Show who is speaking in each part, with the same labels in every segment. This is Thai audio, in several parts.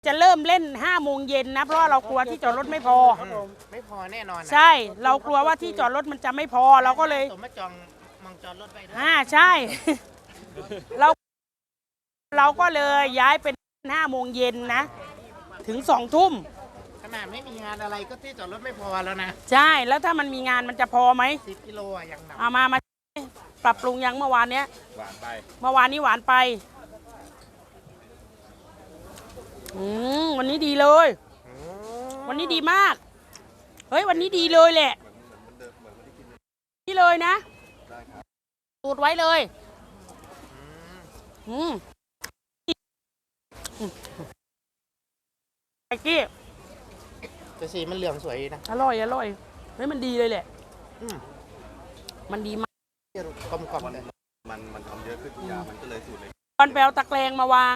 Speaker 1: จะเริ่มเล่น5 โมงเย็นนะเพราะเรากลัวที่จอดรถไม่พอ
Speaker 2: ไม่พอแน่นอน
Speaker 1: ใช่เรากลัวว่าที่จอดรถมันจะไม่พอเราก็เลย
Speaker 2: สมมาจองมองจอดรถไปด้วย
Speaker 1: ใช่ เราก็เลยย้ายเป็น5 โมงเย็นนะถึง2 ทุ่ม
Speaker 2: ขนาดไม่มีงานอะไรก็ที่จอดรถไม่พอแล้วนะ
Speaker 1: ใช่แล้วถ้ามันมีงานมันจะพอไหม
Speaker 2: 10 กิโลยังหนัก
Speaker 1: มาปรับปรุงยังเมื่อวานเนี้ย
Speaker 3: หวานไป
Speaker 1: เมื่อวานนี้หวานไปวันนี้ดีเลยวันนี้ดีมากเฮ้ยวันนี้ดีเลยแหละนี่เลยนะตูดไว้เลยไอ้กี้
Speaker 2: แต่สีมันเหลืองสวยนะ
Speaker 1: อร่อยเฮ้ยมันดีเลยแหละมันดีมาก
Speaker 2: กลมๆเลย
Speaker 3: มันทำเยอะขึ้นยามันก็เลยสูตรเลย
Speaker 1: ตอนแปลวตะแกรงมาวาง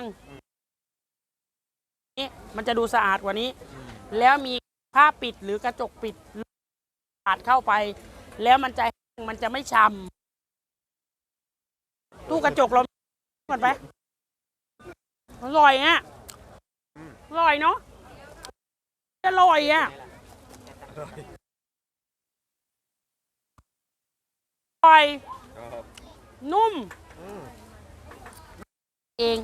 Speaker 1: นี่มันจะดูสะอาดกว่านี้แล้วมีผ้าปิดหรือกระจกปิดปาดเข้าไปแล้วมันจะไม่ช้ำตู้กระจกเราเหมือนไปอร่อยอ่ะอร่อยเนาะอร่อยอ่ะอร่อยนุ่มเอง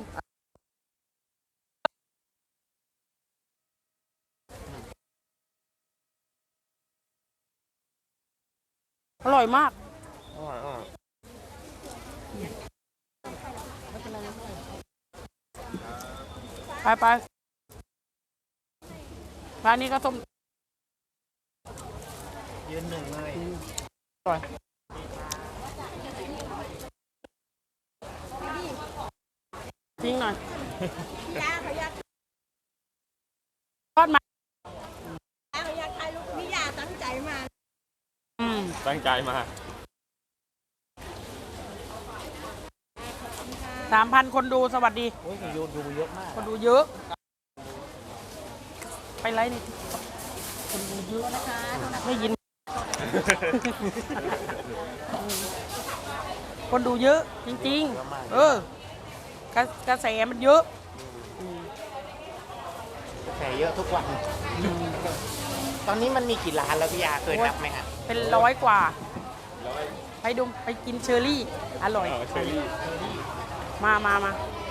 Speaker 1: อร่อยมากไปร้านนี้ก็ส้ม
Speaker 2: ยืนหนึ่งเลย
Speaker 1: อร่อยทิ้งหน่อยทอดมา
Speaker 4: เขาอยากถ่ายรูปพี่ยาตั้งใจมา
Speaker 3: ตั้งใจมา
Speaker 1: 3,000 คนดูสวัสดี
Speaker 2: โอ้ยดูเยอะมาก
Speaker 1: คนดูเยอะไปไลฟ์นี่คนดูเยอะนะคะไม่ยินคนดูเยอะจริงๆกระแสมันเยอะ
Speaker 2: แข่เยอะทุกวันตอนนี้มันมีกี่ร้านแล้วพี่ยาเคยนับไหมฮะ
Speaker 1: เป็น100 กว่าไปกินเชอร์รี่อร่อยมา